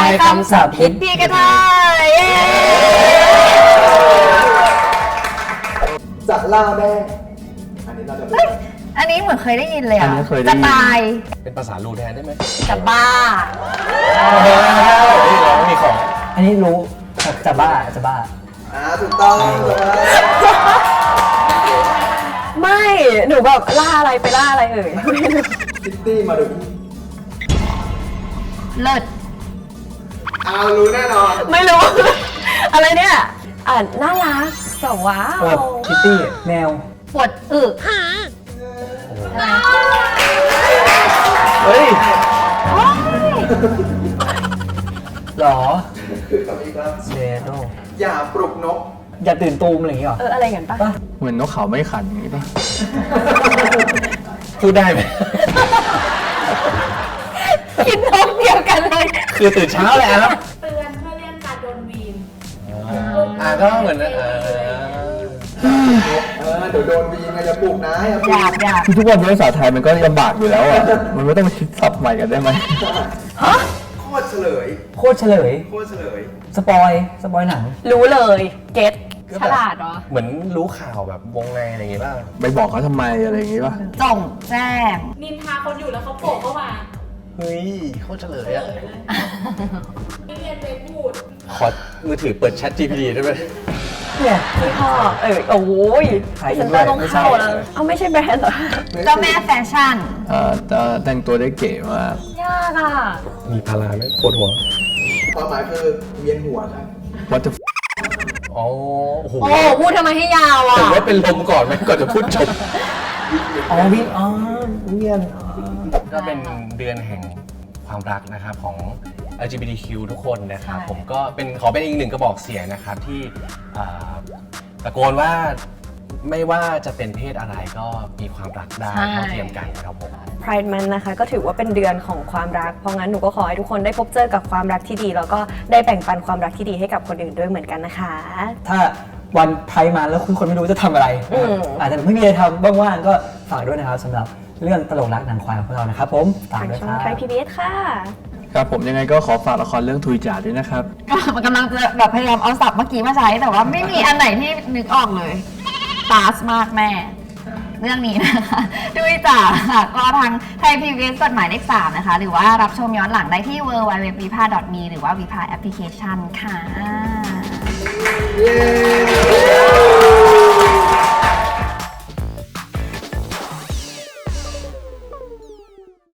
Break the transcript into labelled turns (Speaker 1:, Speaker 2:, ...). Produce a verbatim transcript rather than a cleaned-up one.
Speaker 1: ายคำศัพท์ฮิตพี่กระทาย
Speaker 2: จะเล่าได้อันนี้เราจะ
Speaker 1: อันนี้เหมือนเคยได้ยินเลยอ่ะจะตาย
Speaker 3: เป็นภาษาลูแทนได้ไหม
Speaker 1: จะบ้า
Speaker 3: นี่เราไม่มีของ
Speaker 4: อันนี้รู้จะบ้าจะบ้า
Speaker 2: อ่าถูกต้อง
Speaker 5: ไม่หนูแบบล่าอะไรไปล่าอะไรเอ่ย
Speaker 2: คิตตี้มาดู
Speaker 1: เลิศ
Speaker 2: เอารู้แน่นอน
Speaker 5: ไม่รู้อะไรเนี่ยอ่านน่ารักแต่ว้าว
Speaker 4: คิตตี้แมว
Speaker 1: ปวดอึ
Speaker 4: เฮ้ยหรอ
Speaker 2: คือคำนี้ครับ
Speaker 4: เซโด
Speaker 2: อย่าปลุกนก
Speaker 4: อย่าตื่นตูมอะไรอย่างเงี้ยหรอ
Speaker 5: เอออะไรกันปะ
Speaker 3: เหมือนนกเขาไม่ขันอย่างงี้ป่ะพูดได้ไหม
Speaker 1: คิดนกเดียวกันเลย
Speaker 3: คือตื่นเช้าเลยครับ
Speaker 6: เตือนเพื่อเลี่ยงการโดนวีน
Speaker 3: อ่าก็เหมือนเออ
Speaker 2: เออเดี๋ยวโดนวีนไงจะปลุกนะอย่าปลุ
Speaker 1: อยากอยาก
Speaker 3: ทุกวันนี้ภาษาไทยมันก็ลำบากอยู่แล้วอ่ะมันไม่ต้องคิดศัพท์ใหม่กันได้ไหม
Speaker 2: ฮะโคตรเฉลย
Speaker 4: โคตรเฉลย
Speaker 2: โคตรเฉลย
Speaker 4: สปอยสปอยหนัง
Speaker 5: รู้เลยเก็ตฉลาดเหรอ
Speaker 3: เหมือนรู้ข่าวแบบวงในอะไรอย่างงี้ป่ะไปบอกเขาทำไมอะไรอย่างงี้ป่ะ
Speaker 1: จงแจ้ง
Speaker 6: นินทาคนอยู่แล้วเขาโผล่เข้ามา
Speaker 3: เฮ้ยโคตรเฉลยอ่ะ
Speaker 6: ไม่เรียนไปพูด
Speaker 3: ขอมือถือเปิดแชท จี พี ที ได้ไหม
Speaker 5: เนี่ยพี่พ่อเออโอ้ยฉันต้องเข้าแล้วเอาไม่ใช่แบรนด์เหรอ
Speaker 1: เจ้าแม่แฟชั่น
Speaker 3: เอ่อแต่งตัวได้เก๋มาก
Speaker 5: ยากอ่ะ
Speaker 3: มีพาราไหมปวดหัว
Speaker 2: ความหมายคือเวียนหัวครับ
Speaker 3: What the อ๋อโอ้โห
Speaker 5: พูดทำไมให้ยาวอ่ะ
Speaker 3: แต่ว่าเป็นลมก่อนไหมก่อนจะพูดจบ
Speaker 4: อ๋อวิอ๋อเวียน
Speaker 3: ก็เป็นเดือนแห่งความรักนะครับของ แอล จี บี ที คิว ทุกคนนะครับผมก็เป็นขอเป็นอีกหนึ่งกระบอกเสียงนะครับที่ตะโกนว่าไม่ว่าจะเป็นเพศอะไรก็มีความรักได้เท่าเทียมกันครับผม
Speaker 5: Pride Month นะคะก็ถือว่าเป็นเดือนของความรักเพราะงั้นหนูก็ขอให้ทุกคนได้พบเจอกับความรักที่ดีแล้วก็ได้แบ่งปันความรักที่ดีให้กับคนอื่นด้วยเหมือนกันนะคะ
Speaker 4: ถ้าวันไพร์มาแล้วคุณคนไม่รู้จะทำอะไรอาจจะไม่มีอะไรทำว่างๆก็ฝากด้วยนะครับสำหรับเรื่องตลกรักหนังควายของพวกเรานะครับผม
Speaker 5: ทางช่องไทย พี บี เอส ค่ะ
Speaker 3: ครับผมยังไงก็ขอฝากละครเรื่องทุยจ่าด้วยนะครับ
Speaker 1: มันกำลังจะแบบพยายามเอาศัพท์เมื่อกี้มาใช้แต่ว่าไม่มีอันไหนที่นึกออกเลยตาสมากแม่เรื่องนี้นะคะด้วยจ้าค่ะก็ทางไทย พี บี เอส กฎหมายเลขสามนะคะหรือว่ารับชมย้อนหลังได้ที่ ดับเบิลยู ดับเบิลยู ดับเบิลยู ดอท วี พา ดอท มี หรือว่า วี พา แอปพลิเคชันค่ะ